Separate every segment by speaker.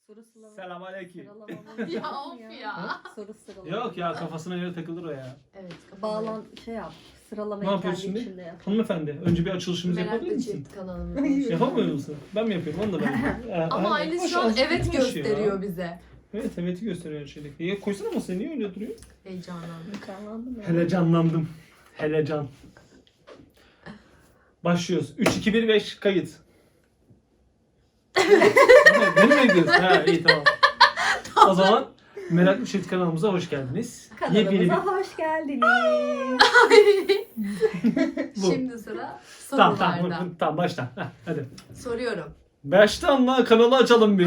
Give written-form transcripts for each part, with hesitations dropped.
Speaker 1: Soru sıralama.
Speaker 2: Selamünaleyküm.
Speaker 1: Sıralamamız
Speaker 3: Ya
Speaker 1: var mı
Speaker 3: of
Speaker 1: ya?
Speaker 3: ya.
Speaker 1: Soru sıralama.
Speaker 2: Yok ya, kafasına göre takılır o ya.
Speaker 3: Evet.
Speaker 1: Bağlan şey yap. Sıralamayı
Speaker 2: Ne yapıyorsun
Speaker 1: kendi
Speaker 2: şimdi?
Speaker 1: içinde yap.
Speaker 2: Hanımefendi, önce bir açılışımızı yapabilir
Speaker 3: Meraklı
Speaker 2: misin?
Speaker 3: Çift kanalımız.
Speaker 2: Yapamıyor musun? Ben mi yapıyorum? Onu da ben yapıyorum.
Speaker 3: Ama Aylin şu an evet gösteriyor bize.
Speaker 2: Evet, evet'i gösteriyor şeyde. Ya koysana masaya, niye öyle duruyor?
Speaker 3: Heyecanlandım.
Speaker 1: Canlandı mı?
Speaker 2: Hele canlandım. Hele can. Başlıyoruz. 3, 2, 1, 5 kayıt. Beni mi bekliyorsun? Ha, iyi tamam. O zaman Meraklı Çift kanalımıza hoş geldiniz.
Speaker 1: Kanalımıza hoş geldiniz.
Speaker 2: Bu.
Speaker 3: Şimdi sıra
Speaker 2: Tamam
Speaker 3: sorularda.
Speaker 2: tamam, tamam başla. Heh, hadi.
Speaker 3: Soruyorum.
Speaker 2: Baştan la, kanalı açalım bir.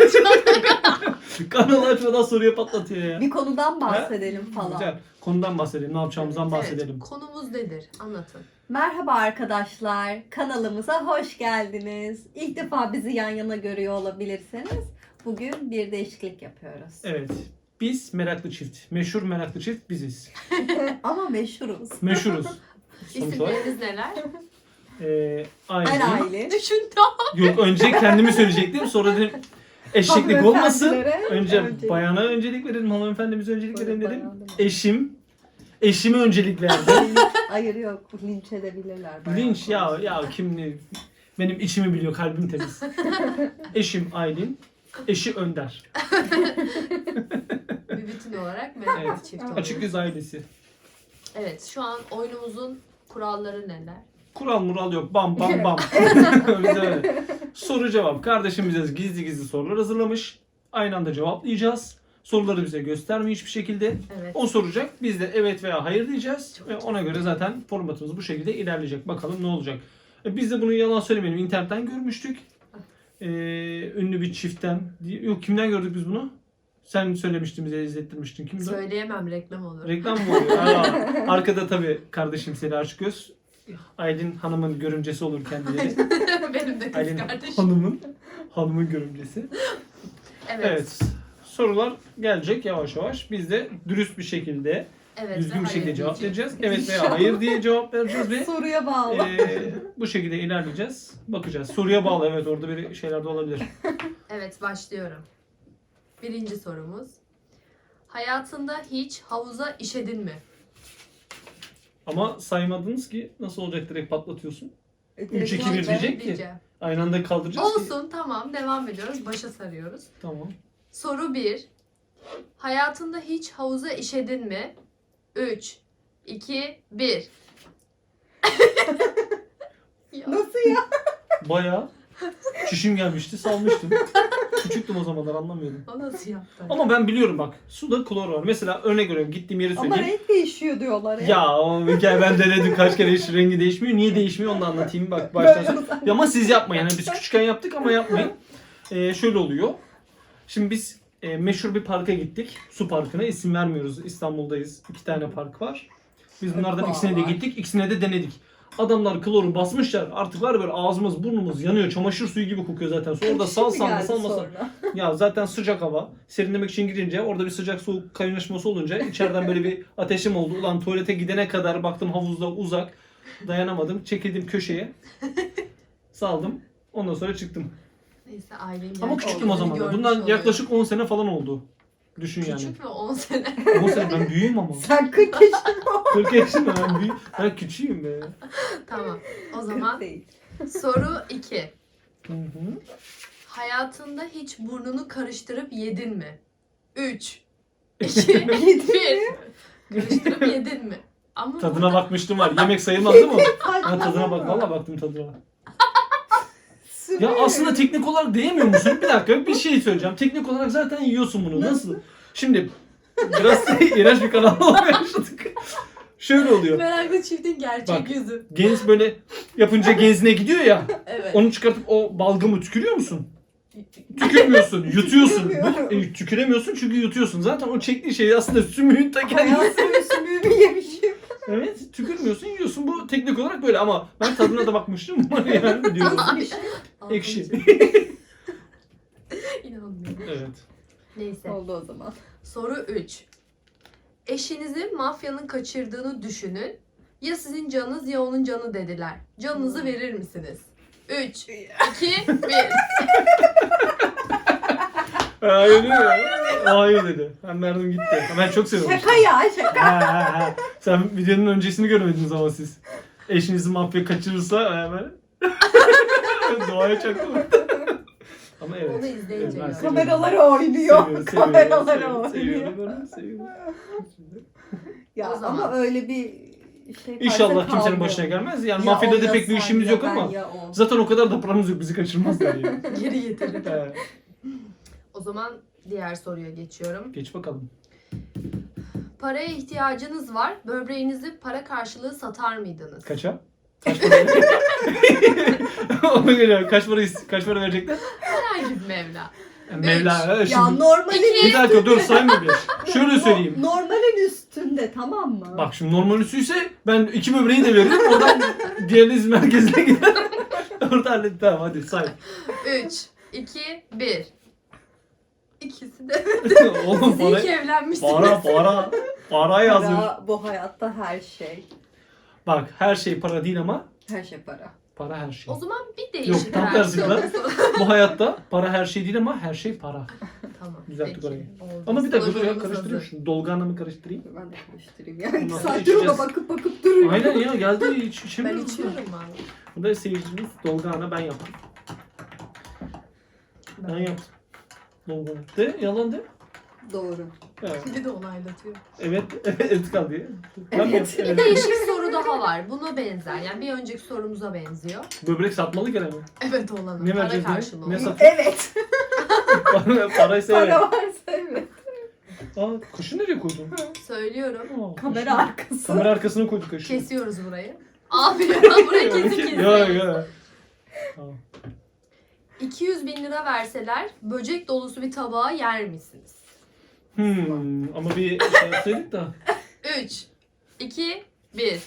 Speaker 2: Kanalı açmadan soruya patlatıyor ya.
Speaker 1: Bir konudan bahsedelim falan.
Speaker 2: Güzel. Konudan bahsedelim. Ne yapacağımızdan bahsedelim.
Speaker 3: Evet, konumuz nedir? Anlatın.
Speaker 1: Merhaba arkadaşlar. Kanalımıza hoş geldiniz. İlk defa bizi yan yana görüyor olabilirsiniz. Bugün bir değişiklik yapıyoruz.
Speaker 2: Evet. Biz Meraklı Çift. Meşhur Meraklı Çift biziz.
Speaker 1: Ama meşhuruz.
Speaker 2: Meşhuruz. Sonuç olarak.
Speaker 3: İsimleriniz neler?
Speaker 1: Ben
Speaker 2: Aylin.
Speaker 1: Aylin.
Speaker 3: Düşün
Speaker 2: Yok, önce kendimi söyleyecektim. Sonra dedim eşeklik olmasın.
Speaker 1: Hanımefendilere
Speaker 2: Önce bayana öncelik verelim. Hanımefendimize öncelik verelim dedim.
Speaker 1: Bayan değil mi?
Speaker 2: Eşim. Eşime öncelik verdim.
Speaker 1: Hayır yok. Linç edebilirler. bayağı
Speaker 2: Linç ya
Speaker 1: konuşuyor.
Speaker 2: kim ne? Benim içimi biliyor, kalbim temiz. Eşim Aylin. Eşi Önder.
Speaker 3: bir bütün olarak meraklı
Speaker 2: Evet.
Speaker 3: çift oluyoruz.
Speaker 2: Açık Göz ailesi.
Speaker 3: Evet, şu an oyunumuzun kuralları neler?
Speaker 2: Kural mural yok. Bam bam bam. öyle. Soru cevap. Kardeşim bize gizli gizli sorular hazırlamış. Aynı anda cevaplayacağız. Soruları bize göstermiyor hiçbir şekilde.
Speaker 3: Evet.
Speaker 2: O soracak. Biz de evet veya hayır diyeceğiz. Ve ona göre zaten formatımız bu şekilde ilerleyecek. Bakalım ne olacak. Biz de bunu yalan söylemeyelim. İnternetten görmüştük. Ünlü bir çiftten. Yok, kimden gördük biz bunu? Sen söylemiştin, bize izlettirmiştin. Kimdi o?
Speaker 3: Söyleyemem, reklam olur.
Speaker 2: Reklam mı oluyor? Arkada tabii kardeşim Seli Açıkgöz. Aylin Hanım'ın görümcesi olur kendileri.
Speaker 3: Benim de kız
Speaker 2: Aylin
Speaker 3: kardeşim.
Speaker 2: Hanım'ın görümcesi.
Speaker 3: Evet.
Speaker 2: Evet. Sorular gelecek yavaş yavaş. Biz de dürüst bir şekilde,
Speaker 3: Evet
Speaker 2: düzgün
Speaker 3: ve
Speaker 2: bir şekilde
Speaker 3: hayır
Speaker 2: cevap
Speaker 3: diyeceğim.
Speaker 2: vereceğiz. Evet veya hayır diye cevap vereceğiz ve
Speaker 1: Soruya bağlı.
Speaker 2: bu şekilde ilerleyeceğiz. Bakacağız. Soruya bağlı, evet, orada bir şeyler de olabilir.
Speaker 3: Evet, başlıyorum. Birinci sorumuz. Hayatında hiç havuza işedin mi?
Speaker 2: Ama saymadınız ki nasıl olacak, direkt patlatıyorsun.
Speaker 1: Direkt
Speaker 2: 3, 2, 1
Speaker 1: cevap ver.
Speaker 2: diyecek ki.
Speaker 3: Diyeceğim.
Speaker 2: Aynı anda kaldıracağız ki.
Speaker 3: Olsun, tamam, devam ediyoruz. Başa sarıyoruz.
Speaker 2: Tamam.
Speaker 3: Soru 1. Hayatında hiç havuza işedin mi? 3, 2, 1.
Speaker 1: Nasıl ya?
Speaker 2: Bayağı çişim gelmişti, salmıştım. Küçüktüm o zamanlar, anlamıyordum.
Speaker 3: O nasıl yaptı?
Speaker 2: Ama ben biliyorum bak. Suda klor var. Mesela örnek veriyorum, gittiğim yeri
Speaker 1: Ama
Speaker 2: söyleyeyim.
Speaker 1: renk değişiyor diyorlar ya.
Speaker 2: Ya o hikaye, ben denedim kaç kere, hiç rengi değişmiyor. Niye değişmiyor onu da anlatayım bak baştan sonra. Ya ama siz yapmayın. Yani biz küçükken yaptık ama yapmayın. Şöyle oluyor. Şimdi biz meşhur bir parka gittik. Su parkına, isim vermiyoruz. İstanbul'dayız. 2 tane park var. Biz bunlardan ikisine de gittik. İkisine de denedik. Adamlar kloru basmışlar. Artık var ya, böyle ağzımız burnumuz yanıyor. Çamaşır suyu gibi kokuyor zaten. Sonra orada salsan da salmasan. Ya zaten sıcak hava. Serinlemek için girince orada bir sıcak soğuk kaynaşması olunca içeriden böyle bir ateşim oldu. Ulan tuvalete gidene kadar baktım havuzda uzak. Dayanamadım. Çekildim köşeye. Saldım. Ondan sonra çıktım.
Speaker 3: Neyse, ailenin
Speaker 2: Ama
Speaker 3: yanında
Speaker 2: küçüktüm o
Speaker 3: olduğunu
Speaker 2: zaman.
Speaker 3: görmüş
Speaker 2: Bundan
Speaker 3: oluyorum.
Speaker 2: yaklaşık 10 sene falan oldu. Düşün yani.
Speaker 3: Küçük mü? 10 sene.
Speaker 2: 10 sene, ben büyüğüm ama.
Speaker 1: Sen 40 yaşında
Speaker 2: 40 yaşında ben büyüğüm. Ben küçüğüm be.
Speaker 3: Tamam. O zaman
Speaker 1: değil.
Speaker 3: soru 2.
Speaker 2: Hı hı.
Speaker 3: Hayatında hiç burnunu karıştırıp yedin mi? 3, 2, 1. Karıştırıp yedin mi? Ama
Speaker 2: Tadına bakmıştım var. Yemek sayılmaz değil mi o? Ben tadına bak. Valla baktım tadına. Ya aslında teknik olarak değmiyor musun? Bir dakika, bir şey söyleyeceğim. Teknik olarak zaten yiyorsun bunu. Nasıl? Şimdi biraz iğrenç bir kanal olmaya başladık. Şöyle oluyor.
Speaker 3: meraklı çiftin gerçek
Speaker 2: Bak.
Speaker 3: yüzü.
Speaker 2: Genz böyle yapınca genzine gidiyor ya.
Speaker 3: Evet.
Speaker 2: Onu çıkartıp o balgamı tükürüyor musun? Tükürmüyorsun, yutuyorsun. Tüküremiyorsun çünkü yutuyorsun. Zaten o çektiği şey aslında sümüğün ta kendisi.
Speaker 1: Hayatımın sümüğümü yemişim.
Speaker 2: Evet, tükürmüyorsun, yiyorsun. Bu teknik olarak böyle ama ben tadına da bakmıştım. Yani diyorum. Ekşi.
Speaker 3: İnanmıyorum.
Speaker 2: Evet.
Speaker 3: Neyse.
Speaker 1: Oldu o zaman.
Speaker 3: Soru 3. Eşinizi mafyanın kaçırdığını düşünün. Ya sizin canınız ya onun canı dediler. Canınızı verir misiniz? 3, 2, 1.
Speaker 2: Hayır ya. Hayır dedi. Ben verdim gitti. Ben çok seviyorum.
Speaker 1: Şaka ya şaka.
Speaker 2: Ha. Sen videonun öncesini görmediniz ama siz. Eşinizi mafya kaçırırsa hemen doğaya çaktım. Ama evet.
Speaker 3: Onu izleyince
Speaker 2: Evet, ben
Speaker 3: gör.
Speaker 2: seviyorum.
Speaker 1: Kameraları oynuyor.
Speaker 2: Seviyorum,
Speaker 1: Kameraları
Speaker 2: seviyorum,
Speaker 1: oynuyor.
Speaker 2: seviyorum.
Speaker 1: Ya
Speaker 3: O zaman.
Speaker 1: ama öyle bir şey
Speaker 2: İnşallah
Speaker 1: karşısında
Speaker 2: kimsenin
Speaker 1: kalmıyor.
Speaker 2: başına gelmez. Yani
Speaker 1: Ya
Speaker 2: mafyada
Speaker 1: o
Speaker 2: da
Speaker 1: ya
Speaker 2: pek bir
Speaker 1: sen
Speaker 2: işimiz
Speaker 1: ya
Speaker 2: yok
Speaker 1: ben
Speaker 2: ama
Speaker 1: ya o.
Speaker 2: zaten o kadar da paramız yok, bizi kaçırmazlar yani.
Speaker 3: Geri getirir.
Speaker 2: Evet.
Speaker 3: O zaman diğer soruya geçiyorum.
Speaker 2: Geç bakalım.
Speaker 3: Paraya ihtiyacınız var. Böbreğinizi para karşılığı satar mıydınız?
Speaker 2: Kaça? Kaç para? Ona göre kaç para verecekler?
Speaker 3: Herhangi bir meblağ.
Speaker 2: Mevla.
Speaker 1: Ya
Speaker 2: Şimdi
Speaker 1: normalin
Speaker 2: bir dakika dur sayma bir. Şöyle söyleyeyim.
Speaker 1: Normalin üstünde tamam mı?
Speaker 2: Bak şimdi normal üstüyse ben 2 böbreği de veririm. Oradan dializ merkezine gider. Orada hallet. Tamam hadi say.
Speaker 3: 3, 2, 1. İkisi de.
Speaker 2: Oğlum
Speaker 3: Siz iyi ki evlenmişsiniz.
Speaker 2: para yazıyor.
Speaker 1: Para bu hayatta her şey.
Speaker 2: Bak her şey para değil ama
Speaker 1: Her şey para.
Speaker 2: para her şey.
Speaker 3: O zaman bir
Speaker 2: Yok,
Speaker 3: değişik
Speaker 2: tam tersi lan.
Speaker 3: versiyonu.
Speaker 2: Bu hayatta para her şey değil ama her şey para.
Speaker 3: Tamam.
Speaker 2: Düzelttik
Speaker 3: peki.
Speaker 2: orayı.
Speaker 3: Oldu.
Speaker 2: Ama bir dakika dur ya
Speaker 3: Sloganımız
Speaker 2: karıştırayım
Speaker 3: hazır.
Speaker 2: şunu. Dolganla mı karıştırayım?
Speaker 1: Ben de karıştırayım ya. 2
Speaker 2: Bundan
Speaker 1: saattir ona
Speaker 2: içeceğiz.
Speaker 1: bakıp duruyorum.
Speaker 2: Aynen ya geldi hiç
Speaker 3: Ben
Speaker 2: içemiyorum.
Speaker 3: içiyorum abi.
Speaker 2: Bu da seyircimiz Dolgana ben yaptım. Ben yaptım. Dolgana. De yalan de.
Speaker 1: Doğru.
Speaker 2: Evet.
Speaker 3: Bir de onaylatıyor.
Speaker 2: Evet. Evet kaldı ya. Ben mi
Speaker 1: Evet.
Speaker 2: yaptım?
Speaker 3: Bir değişik soru daha var. Buna benzer. Yani bir önceki sorumuza benziyor.
Speaker 2: Böbrek satmalı gene mi?
Speaker 3: Evet olanı.
Speaker 2: Ne
Speaker 3: Para
Speaker 2: vereceğiz
Speaker 3: karşılığı.
Speaker 2: ne? Ne
Speaker 3: olan.
Speaker 2: satıyor?
Speaker 1: Evet.
Speaker 2: Paraysa evet.
Speaker 1: Para varsa evet.
Speaker 2: Aa kaşı nereye koydun?
Speaker 3: Söylüyorum.
Speaker 2: Aa,
Speaker 1: Kamera
Speaker 2: kaşı.
Speaker 1: arkası.
Speaker 2: Kamera arkasına koyduk kaşı.
Speaker 3: Kesiyoruz burayı. Abi burayı kesin
Speaker 2: Yok
Speaker 3: kesiyoruz.
Speaker 2: yok. Tamam.
Speaker 3: 200 bin lira verseler böcek dolusu bir tabağı yer misiniz?
Speaker 2: Ama bir şey yapsaydık da.
Speaker 3: 3, 2, 1.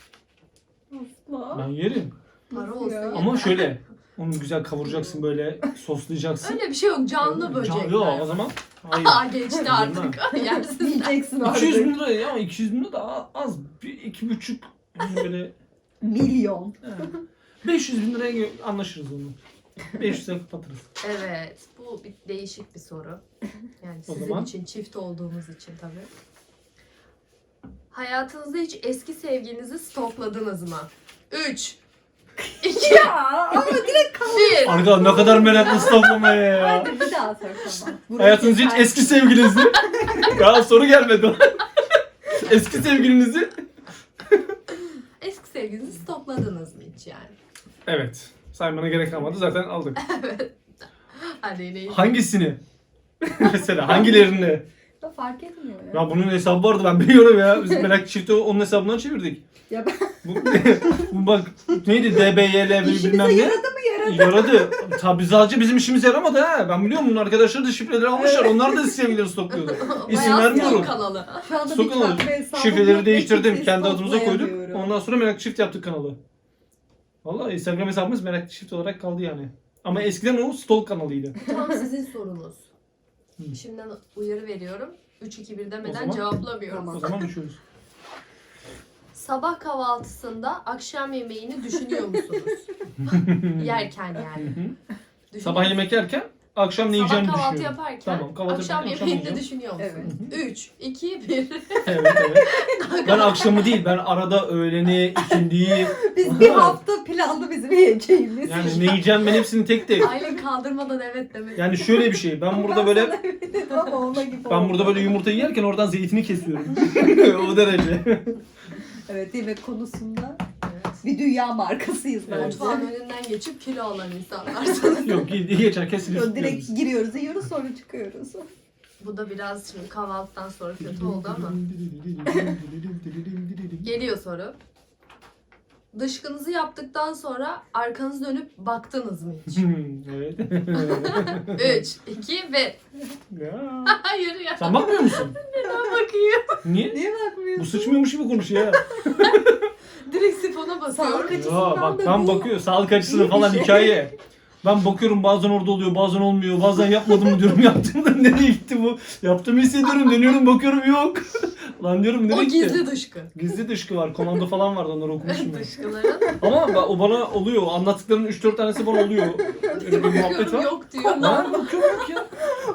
Speaker 1: Asla.
Speaker 2: Ben yerim.
Speaker 3: Para
Speaker 1: Nasıl
Speaker 3: olsa
Speaker 1: ya?
Speaker 3: yeter.
Speaker 2: Ama şöyle. Onu güzel kavuracaksın böyle soslayacaksın.
Speaker 3: Öyle bir şey yok. Canlı böcekler.
Speaker 2: Yok o zaman. Hayır.
Speaker 3: Aa geçti artık. Yersin.
Speaker 1: Diyeceksin
Speaker 2: 200
Speaker 1: artık.
Speaker 2: bin lira ya 200 bin lira da az. 2,5 yani böyle
Speaker 1: Milyon.
Speaker 2: 500 bin liraya anlaşırız onu. 500'e kapatırız.
Speaker 3: Evet. Bu bir değişik bir soru. Yani
Speaker 2: O
Speaker 3: sizin
Speaker 2: zaman?
Speaker 3: için, çift olduğumuz için tabii. Hayatınızda hiç eski sevginizi stokladınız mı? 3, 2,
Speaker 1: Ya ama direkt
Speaker 3: 1.
Speaker 2: Arka ne kadar meraklı stoplamaya ya.
Speaker 1: hadi bir daha sor tamam. Burayı
Speaker 2: Hayatınızda hiç
Speaker 1: keser.
Speaker 2: eski sevgilinizi. Ya soru gelmedi. Eski sevgilinizi.
Speaker 3: Eski sevgilinizi stokladınız mı hiç yani?
Speaker 2: Evet. Saymana gerek kalmadı zaten aldık.
Speaker 3: Hadi yine iyi.
Speaker 2: Hangisini? Mesela hangilerini?
Speaker 1: Ya fark etmiyor ya.
Speaker 2: Ya bunun hesabı vardı ben biliyorum ya. Biz merak çifti onun hesabından çevirdik.
Speaker 1: Ya ben
Speaker 2: Bu bak neydi DBYL bilmem
Speaker 1: işimize
Speaker 2: ne.
Speaker 1: yaradı mı yaradı?
Speaker 2: Yaradı. Tabi sadece bizim işimiz yaramadı ha. Ben biliyorum bunun arkadaşları da şifreleri almışlar. Onlar da sevgilileri stokluyordu. İsim
Speaker 3: Bayağı
Speaker 2: vermiyorum.
Speaker 3: stok kanalı.
Speaker 1: Şu anda
Speaker 2: Sokun
Speaker 1: bir
Speaker 2: olur.
Speaker 1: çakma hesabım
Speaker 2: Şifreleri
Speaker 1: yok,
Speaker 2: değiştirdim.
Speaker 1: ekipsiz
Speaker 2: Kendi adımıza koyduk.
Speaker 1: toplayamıyorum.
Speaker 2: Ondan sonra Merak Çift yaptık kanalı. Vallahi Instagram hesabımız Merak Çift olarak kaldı yani. Ama eskiden o Stalk kanalıydı.
Speaker 3: Tam sizin sorunuz.
Speaker 2: Hı.
Speaker 3: Şimdiden uyarı veriyorum. 3, 2, 1
Speaker 2: O
Speaker 3: demeden
Speaker 2: zaman-
Speaker 3: cevaplamıyorum.
Speaker 1: Tamam.
Speaker 2: O zaman uçuyoruz.
Speaker 3: Sabah kahvaltısında akşam yemeğini düşünüyor musunuz? Yerken yani. Düşünüyor
Speaker 2: Sabah yemek yerken akşam ne yiyeceğimi
Speaker 3: Sabah kahvaltı
Speaker 2: düşünüyorum.
Speaker 3: yaparken
Speaker 2: Tamam, kahvaltı
Speaker 3: akşam
Speaker 2: yaparken akşam
Speaker 3: yemeğini
Speaker 2: yiyeceğim.
Speaker 3: düşünüyor musunuz?
Speaker 1: Evet.
Speaker 3: 3, 2, 1.
Speaker 2: Evet evet. Ben akşamı değil ben arada öğleni, ikindiyi
Speaker 1: Biz bir hafta planlı bizim yiyeceğimiz.
Speaker 2: yani ne yiyeceğim ben hepsini tek tek.
Speaker 3: Aylin kaldırmadan evet demek.
Speaker 2: Yani şöyle bir şey ben burada böyle
Speaker 1: sana eminim ama ona gibi
Speaker 2: ben
Speaker 1: oldu.
Speaker 2: burada böyle yumurta yerken oradan zeytini kesiyorum. O derece.
Speaker 1: Evet yemek konusunda
Speaker 3: Evet.
Speaker 1: bir dünya markasıyız
Speaker 2: Evet.
Speaker 1: bence.
Speaker 3: Mutfağın önünden geçip kilo alan insanlarsınız.
Speaker 2: Yok geçerken silip
Speaker 1: Direkt giriyoruz, yiyoruz sonra çıkıyoruz.
Speaker 3: Bu da biraz şimdi kahvaltıdan sonra kötü oldu ama. Geliyor soru. Dışkınızı yaptıktan sonra arkanızı dönüp baktınız mı hiç?
Speaker 2: Evet.
Speaker 3: 3, 2, 1.
Speaker 2: Ya.
Speaker 3: Hayır ya.
Speaker 2: Sen bakmıyor musun?
Speaker 3: Ben bakayım.
Speaker 2: Niye?
Speaker 1: Niye bakmıyorsun?
Speaker 2: Bu sıçmıyormuş gibi konuşuyor ya.
Speaker 3: Direkt sifona basıyorum.
Speaker 1: Sağlık
Speaker 2: Ya
Speaker 1: açısından
Speaker 2: bak
Speaker 1: da
Speaker 2: ben
Speaker 1: bu
Speaker 2: bakıyor sağlık açısından
Speaker 1: iyi bir
Speaker 2: falan
Speaker 1: şey.
Speaker 2: hikaye. Ben bakıyorum bazen orada oluyor bazen olmuyor bazen yapmadım mı diyorum yaptım da nereye gitti bu? Yaptığımı hissediyorum dönüyorum bakıyorum yok. Lan diyorum nereye
Speaker 3: O
Speaker 2: gitti?
Speaker 3: gizli dışkı.
Speaker 2: Gizli dışkı var komando falan vardı onları okumuşum ben.
Speaker 3: Dışkıların.
Speaker 2: Ama o bana oluyor anlattıklarının 3-4 tanesi bana oluyor. Öyle bir muhabbet var.
Speaker 3: Yok diyor.
Speaker 2: Ben bakıyorum yok ya.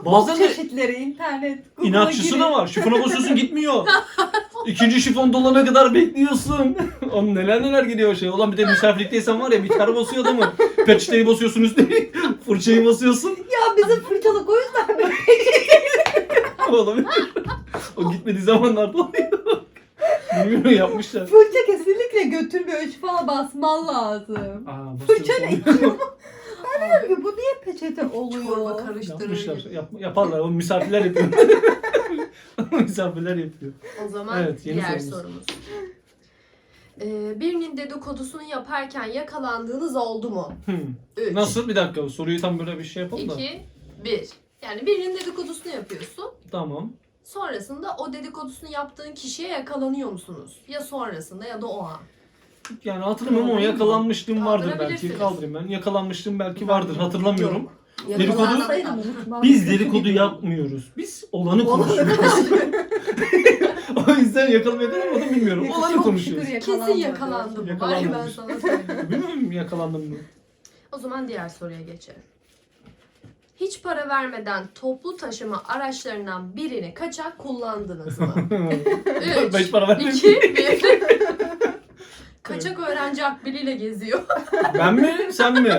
Speaker 2: Bazen de
Speaker 1: Çeşitleri, internet, Google'a
Speaker 2: inatçısı
Speaker 1: girin.
Speaker 2: da var. Şifona basıyorsun gitmiyor. İkinci şifon dolana kadar bekliyorsun. Oğlum neler geliyor şey. Ulan bir de misafirlikteysen var ya bir tane basıyor adamı. Peçeteyi basıyorsun üstüne. Fırçayı basıyorsun.
Speaker 1: Ya bizim fırçalık o yüzden mi?
Speaker 2: Olabilir. O gitmediği zamanlarda oluyor. Bilmiyorum yapmışlar.
Speaker 1: Fırça kesinlikle götürmüyor. Şifona basman lazım.
Speaker 2: Aa,
Speaker 1: Fırça ne?
Speaker 2: basıyorsun.
Speaker 1: Diyorum ki bu niye peçete oluyor?
Speaker 3: Çorba karıştırır.
Speaker 2: Yapmışlar. Yaparlar. O misafirler yapıyor. Misafirler yapıyor.
Speaker 3: O zaman
Speaker 2: Evet, yeni
Speaker 3: diğer
Speaker 2: sorumuz.
Speaker 3: sorumuz. Birinin dedikodusunu yaparken yakalandığınız oldu mu? 3,
Speaker 2: Nasıl? Bir dakika soruyu tam böyle bir şey yapalım da.
Speaker 3: 2, 1. Yani birinin dedikodusunu yapıyorsun.
Speaker 2: Tamam.
Speaker 3: Sonrasında o dedikodusunu yaptığın kişiye yakalanıyor musunuz? Ya sonrasında ya da o an.
Speaker 2: Yani hatırlamıyorum ama
Speaker 1: Kaldırayım mı?
Speaker 2: yakalanmışlığım vardır belki.
Speaker 3: Kaldırabilirsiniz.
Speaker 2: Kaldırayım ben. Yakalanmışlığım belki vardır. Hatırlamıyorum. Dedikodu-
Speaker 1: Yakalansaydım unutmam.
Speaker 2: Biz dedikodu yapmıyoruz. Biz olanı konuşuyoruz. O yüzden yakalanmadım bilmiyorum. Olanı konuşuyoruz.
Speaker 3: Kesin yakalandım. Hayır ben
Speaker 2: Yakalanmamış.
Speaker 3: sana söyleyeyim.
Speaker 2: Bilmiyorum yakalandım mı?
Speaker 3: O zaman diğer soruya geçelim. Hiç para vermeden toplu taşıma araçlarından birini kaçak kullandınız mı?
Speaker 2: Ben hiç para
Speaker 3: 3,
Speaker 2: vermedim.
Speaker 3: 2, 1. Kaçak öğrenci akbiliyle geziyor.
Speaker 2: Ben mi? Sen mi?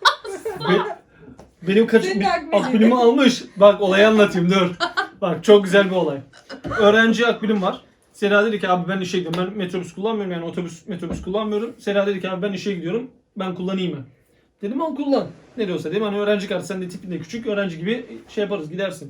Speaker 2: Benim
Speaker 1: Senin akbilin.
Speaker 2: akbilimi almış. Bak olayı anlatayım dur. Bak çok güzel bir olay. Öğrenci akbilim var. Sena dedi ki abi ben işe gidiyorum. Ben metrobüs kullanmıyorum yani metrobüs kullanmıyorum. Sena dedi ki abi ben işe gidiyorum. Ben kullanayım mı? Dedim al kullan. Ne diyorsa dedim hani öğrenci kartı sen de tipin de küçük öğrenci gibi şey yaparız gidersin.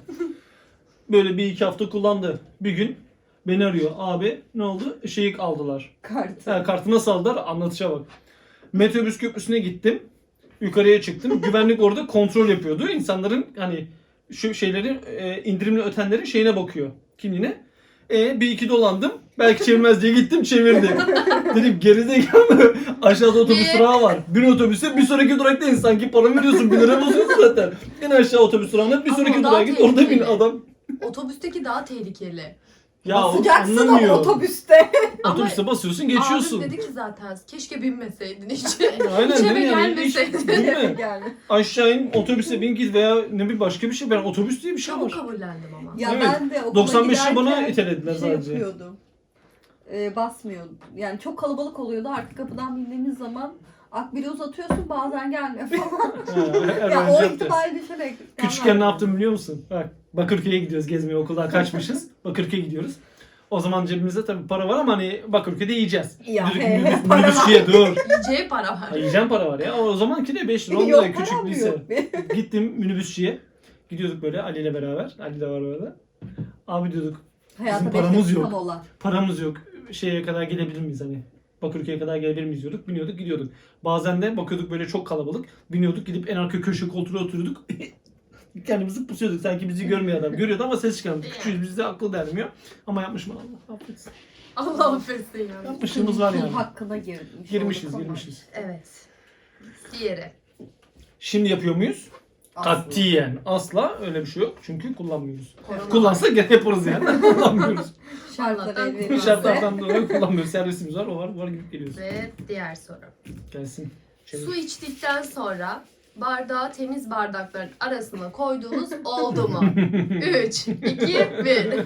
Speaker 2: Böyle bir iki hafta kullandı. Bir gün beni arıyor. Abi ne oldu? Şeyi aldılar.
Speaker 1: Kartı.
Speaker 2: Kartı nasıl aldılar? Anlatışa bak. Metrobüs köprüsüne gittim. Yukarıya çıktım. Güvenlik orada kontrol yapıyordu. İnsanların hani şu şeyleri indirimli ötenlerin şeyine bakıyor. Kimliğine. Bir iki dolandım. Belki çevirmez diye gittim çevirdim. Dedim gerizekalı aşağıda otobüs
Speaker 3: Niye?
Speaker 2: durağı var. Bin otobüse bir sonraki durakta in. Sanki para veriyorsun 1 lira basıyorsun zaten. En aşağı otobüs durağına bir
Speaker 3: Ama
Speaker 2: sonraki
Speaker 3: o
Speaker 2: durağa
Speaker 3: daha
Speaker 2: git orada bin
Speaker 3: tehlikeli.
Speaker 2: adam.
Speaker 3: Otobüsteki daha tehlikeli.
Speaker 2: Ya o
Speaker 1: Basacaksın
Speaker 2: anlamıyor.
Speaker 1: o otobüste.
Speaker 2: Otobüse basıyorsun geçiyorsun.
Speaker 3: Abim dedi ki zaten keşke binmeseydin hiç.
Speaker 2: Aynen
Speaker 3: Hiç eve
Speaker 2: değil mi? Yani hiç-
Speaker 3: gelmeseydin.
Speaker 2: değil mi?
Speaker 1: Yani.
Speaker 2: Aşağı in otobüse bin git veya ne bir başka bir şey. Ben otobüs diye bir şey
Speaker 3: Çabuk
Speaker 2: var.
Speaker 3: kabullendim ama.
Speaker 1: Ya
Speaker 2: Evet.
Speaker 1: ben de okula
Speaker 2: 95 lira bana
Speaker 1: giderken
Speaker 2: itelediler
Speaker 1: şey
Speaker 2: sadece.
Speaker 1: yapıyordum. Basmıyordum. Yani çok kalabalık oluyordu. Artık kapıdan bindiğimiz zaman akbili uzatıyorsun bazen gelmiyor falan.
Speaker 2: Ha,
Speaker 1: ya
Speaker 2: öğrenci
Speaker 1: o
Speaker 2: yaptı.
Speaker 1: ihtimali düşünerek.
Speaker 2: Küçükken ne yaptım biliyor musun? Bak Bakırköy'e gidiyoruz gezmeye okuldan kaçmışız. Bakırköy'e gidiyoruz. O zaman cebimizde tabii para var ama hani Bakırköy'de yiyeceğiz.
Speaker 1: Ya
Speaker 2: Dedik,
Speaker 1: para var.
Speaker 2: minibüsçüye dur.
Speaker 3: Yiyeceği para var.
Speaker 2: Ha, yiyeceğim para var ya. O zamanki de 5 lira 10
Speaker 1: Yok
Speaker 2: lira küçük
Speaker 1: param
Speaker 2: lise.
Speaker 1: yok.
Speaker 2: Gittim minibüsçüye. Gidiyorduk böyle Ali ile beraber. Ali de var orada. Abi diyorduk
Speaker 1: Hayata
Speaker 2: paramız
Speaker 1: beş
Speaker 2: yok.
Speaker 1: dakikam olan.
Speaker 2: paramız yok. Şeye kadar gelebilir miyiz hani? Bakırköy'e kadar gelebilir miyiz diyorduk. Biniyorduk gidiyorduk. Bazen de bakıyorduk böyle çok kalabalık. Biniyorduk gidip en arka köşe koltuğa oturuyorduk. Kendimizi pusuyorduk. Sanki bizi görmüyor adam. Görüyordu ama ses çıkarmıyordu. Küçüğüz bizde akıl dermiyor. Ama yapmışım Allah affetsin.
Speaker 3: Allah affetsin yani.
Speaker 2: Yapmışlığımız var
Speaker 1: Kul
Speaker 2: yani.
Speaker 1: hakkına girmiş.
Speaker 2: Girmişiz
Speaker 1: olduk ama.
Speaker 2: girmişiz.
Speaker 3: Evet. Diğeri.
Speaker 2: Şimdi yapıyor muyuz?
Speaker 1: Aslı.
Speaker 2: Katiyen. Asla öyle bir şey yok. Çünkü kullanmıyoruz.
Speaker 3: Korona.
Speaker 2: Kullansak gene yaparız yani. Kullanmıyoruz.
Speaker 1: Şartlar
Speaker 3: Allah'tan
Speaker 1: el verirse.
Speaker 2: Şartlardan dolayı kullanmıyoruz. Servisimiz var. O var gidip geliyoruz.
Speaker 3: Ve diğer soru.
Speaker 2: Gelsin. Çevir.
Speaker 3: Su içtikten sonra bardağı temiz bardakların arasına koyduğunuz oldu mu? 3, 2, 1.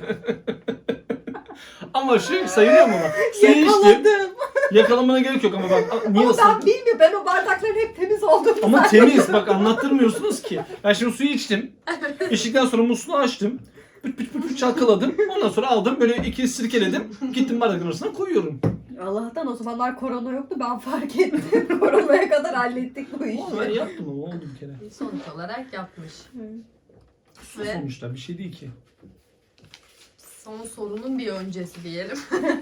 Speaker 2: Ama şu sayılıyor mu bak? Suyu içtim.
Speaker 1: Yakaladım.
Speaker 2: Yakalamana gerek yok ama bak niye
Speaker 1: Ama ben
Speaker 2: ısırdın?
Speaker 1: bilmiyorum. Ben o bardakların hep temiz olduğunu
Speaker 2: Ama temiz bak anlattırmıyorsunuz ki. Ben şimdi suyu içtim. İçtikten sonra musluğu açtım. Püt püt püt püt çalkaladım. Ondan sonra aldım böyle iki sirkeledim. Gittim bardakın arasına koyuyorum.
Speaker 1: Allah'tan o zamanlar korona yoktu. Ben fark ettim. Koronaya kadar hallettik bu işi.
Speaker 2: Ama ben yaptım ama oldu bir kere.
Speaker 3: Sonuç olarak yapmış.
Speaker 2: Su
Speaker 3: Ve
Speaker 2: sonuçta bir şey değil ki.
Speaker 3: son sorunun bir öncesi diyelim.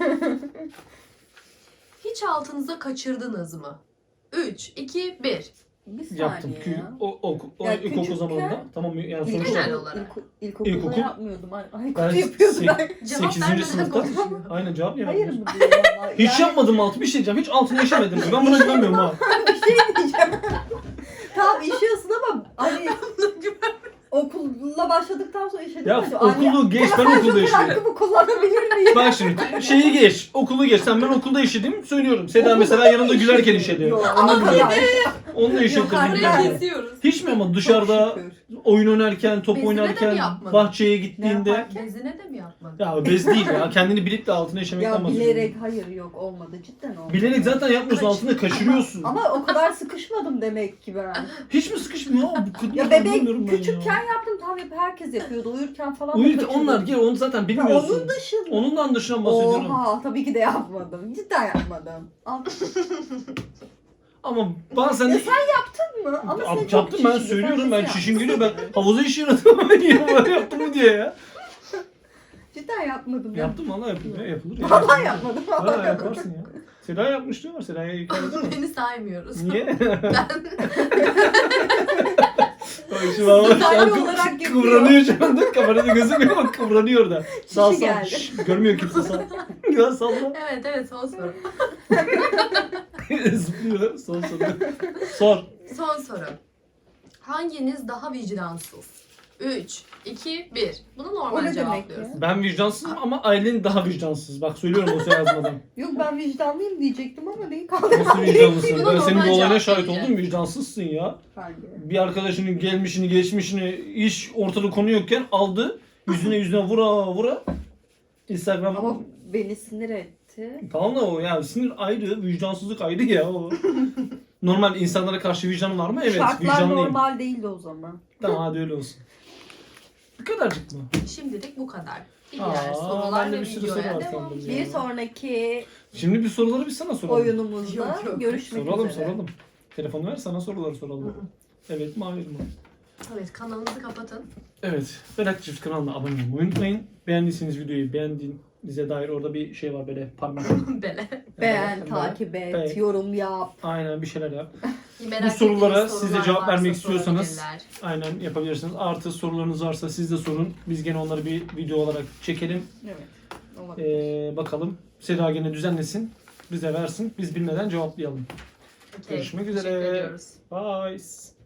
Speaker 3: Hiç altınıza kaçırdınız mı? 3, 2, 1.
Speaker 1: Bir saniye
Speaker 2: Yaptım.
Speaker 1: ya.
Speaker 2: O
Speaker 1: Ya
Speaker 2: ilkokul
Speaker 1: küçükken-
Speaker 2: zamanında. Tamam yani
Speaker 3: Genel
Speaker 2: sonuçta.
Speaker 3: olarak.
Speaker 1: İlkokulda
Speaker 2: İlkokul-
Speaker 1: yapmıyordum. Ay
Speaker 2: Ben
Speaker 1: kötü yapıyordum ben.
Speaker 3: Cevap
Speaker 2: 8.
Speaker 3: vermeden
Speaker 2: sınıfta.
Speaker 3: konuşuyor.
Speaker 2: Aynen cevap niye
Speaker 1: Hayır
Speaker 2: vermiyorsun?
Speaker 1: mı diyor valla.
Speaker 2: Hiç
Speaker 1: Yani
Speaker 2: yapmadım altı bir şey diyeceğim. Hiç altına işemedim. Ben buna güvenmiyorum ha.
Speaker 1: bir şey diyeceğim. Tamam işiyorsun ama hani okulla başladıktan sonra işe
Speaker 2: Ya
Speaker 1: demedim.
Speaker 2: okulu geç ben okulda
Speaker 1: Şoför
Speaker 2: işledim.
Speaker 1: hakkımı kullanabilir miyim?
Speaker 2: Bak şimdi şeyi geç. Okulu geç. Sen ben okulda işledim söylüyorum. Seda mesela yanında gülerken işedi.
Speaker 1: Yok,
Speaker 2: Onu biliyorum.
Speaker 1: arkadaş.
Speaker 2: Onunla
Speaker 1: Yok,
Speaker 2: yaşattım.
Speaker 1: harbiden.
Speaker 3: Burayı
Speaker 2: yani.
Speaker 3: kesiyoruz.
Speaker 2: Hiç mi ama dışarıda
Speaker 1: Çok şükür.
Speaker 2: oyun oynarken, top
Speaker 3: Bezine de mi
Speaker 2: oynarken,
Speaker 3: yapmadın?
Speaker 2: bahçeye
Speaker 1: Ne
Speaker 2: gittiğinde...
Speaker 1: yaparken?
Speaker 3: Bezine de mi yapmadın?
Speaker 2: Ya bez değil ya. Kendini bilip de altına işemekten
Speaker 1: Ya
Speaker 2: bahsediyorum.
Speaker 1: bilerek hayır yok olmadı cidden olmadı.
Speaker 2: Bilerek zaten yapmıyorsun, altında kaçırıyorsun.
Speaker 1: Ama o kadar sıkışmadım demek ki ben.
Speaker 2: Hiç mi sıkışmıyor? Bu kadar
Speaker 1: Ya bebek
Speaker 2: anlamıyorum ben ya.
Speaker 1: küçükken yaptım tabii herkes yapıyordu uyurken falan. da
Speaker 2: Uyurken
Speaker 1: kaçırdım.
Speaker 2: onlar gel onu zaten
Speaker 1: Ya
Speaker 2: bilmiyorsun.
Speaker 1: onun dışında.
Speaker 2: Onundan dışına bahsediyorum.
Speaker 1: Oha tabii ki de yapmadım. Cidden yapmadım.
Speaker 2: Ama bazen
Speaker 1: Ya
Speaker 2: de...
Speaker 1: sen yaptın mı? Ama sen çok
Speaker 2: yaptım ben
Speaker 1: çişindi,
Speaker 2: söylüyorum
Speaker 1: sen
Speaker 2: ben
Speaker 1: kesin
Speaker 2: çişim
Speaker 1: yapmışsın.
Speaker 2: geliyor ben havuza işiyorum ben yaptım mı diye ya.
Speaker 1: Cidden yapmadım. ya.
Speaker 2: Yaptım valla yapılır. Yapılır ya.
Speaker 1: Vallahi yapmadım.
Speaker 2: Valla
Speaker 1: Vallahi yapmadım.
Speaker 2: yaparsın ya. Seda yapmış diyorlar. Seda'ya yıkardın mı?
Speaker 3: Beni saymıyoruz.
Speaker 2: Niye?
Speaker 3: Ben
Speaker 2: Bak şu an
Speaker 1: Düzenli olarak yapıyor.
Speaker 2: kıvranıyor şu anda. Kamerada gözükmüyor ama kıvranıyor da. Sal sal.
Speaker 1: geldi.
Speaker 2: Şşş, görmüyor kimse sal. Ya salla.
Speaker 3: evet son soru.
Speaker 2: Zıplıyor. Son soru. Sor.
Speaker 3: Son soru. Hanginiz daha vicdansız? 3, 2, 1. Bunu
Speaker 1: O
Speaker 3: normal
Speaker 1: ne demek
Speaker 3: cevaplıyoruz.
Speaker 1: ya?
Speaker 2: Ben vicdansızım ama Aylin daha vicdansız. Bak söylüyorum o yazmadan.
Speaker 1: Yok ben vicdanlıyım diyecektim ama neyi kaldı?
Speaker 2: Nasıl vicdanlısın?
Speaker 3: Buna
Speaker 2: Ben senin bu
Speaker 3: normal
Speaker 2: olayına
Speaker 3: cevap
Speaker 2: şahit
Speaker 3: vereceğim.
Speaker 2: oldum. Vicdansızsın ya.
Speaker 1: Hangi?
Speaker 2: Bir arkadaşının gelmişini, geçmişini, iş ortada konu yokken aldı. Yüzüne vura. Instagram...
Speaker 1: Ama beni sinir etti.
Speaker 2: Tamam da o ya sinir ayrı, vicdansızlık ayrı ya o. Normal insanlara karşı vicdanın var mı? Evet,
Speaker 1: Şartlar
Speaker 2: vicdanlıyım.
Speaker 1: normal değildi o zaman.
Speaker 2: Tamam hadi öyle olsun. Bu kadarcık mı?
Speaker 3: Şimdilik bu kadar. Diğer
Speaker 2: Aa,
Speaker 3: sorular
Speaker 2: bende
Speaker 3: ve
Speaker 2: bir sürü soru
Speaker 3: videoya
Speaker 2: var
Speaker 3: devam.
Speaker 2: sandım ya.
Speaker 1: Bir sonraki
Speaker 2: Şimdi bir soruları biz sana soralım.
Speaker 1: oyunumuzda
Speaker 3: Yok.
Speaker 1: görüşmek
Speaker 2: Soralım
Speaker 1: üzere.
Speaker 2: soralım. Telefonu ver sana soruları soralım. Evet mi hayır mı?
Speaker 3: Evet kanalınızı kapatın.
Speaker 2: Evet. Berat Çift kanalına abone olmayı unutmayın. Beğendiyseniz videoyu beğendiğinize dair orada bir şey var böyle parmak.
Speaker 3: Bele.
Speaker 1: Beğen,
Speaker 2: Evet,
Speaker 1: takip et,
Speaker 2: Evet.
Speaker 1: yorum yap.
Speaker 2: Aynen bir şeyler yap.
Speaker 3: Merak
Speaker 2: sorulara
Speaker 3: ettiğiniz
Speaker 2: siz de
Speaker 3: sorular
Speaker 2: cevap
Speaker 3: varsa
Speaker 2: vermek istiyorsanız
Speaker 3: sorabilirler.
Speaker 2: aynen yapabilirsiniz. Artı sorularınız varsa siz de sorun. Biz gene onları bir video olarak çekelim.
Speaker 1: Evet. Olabilir.
Speaker 2: Bakalım. Seda gene düzenlesin. Bize versin. Biz bilmeden cevaplayalım.
Speaker 3: Okey,
Speaker 2: Görüşmek
Speaker 3: teşekkür
Speaker 2: üzere.
Speaker 3: ediyoruz.
Speaker 2: Bye.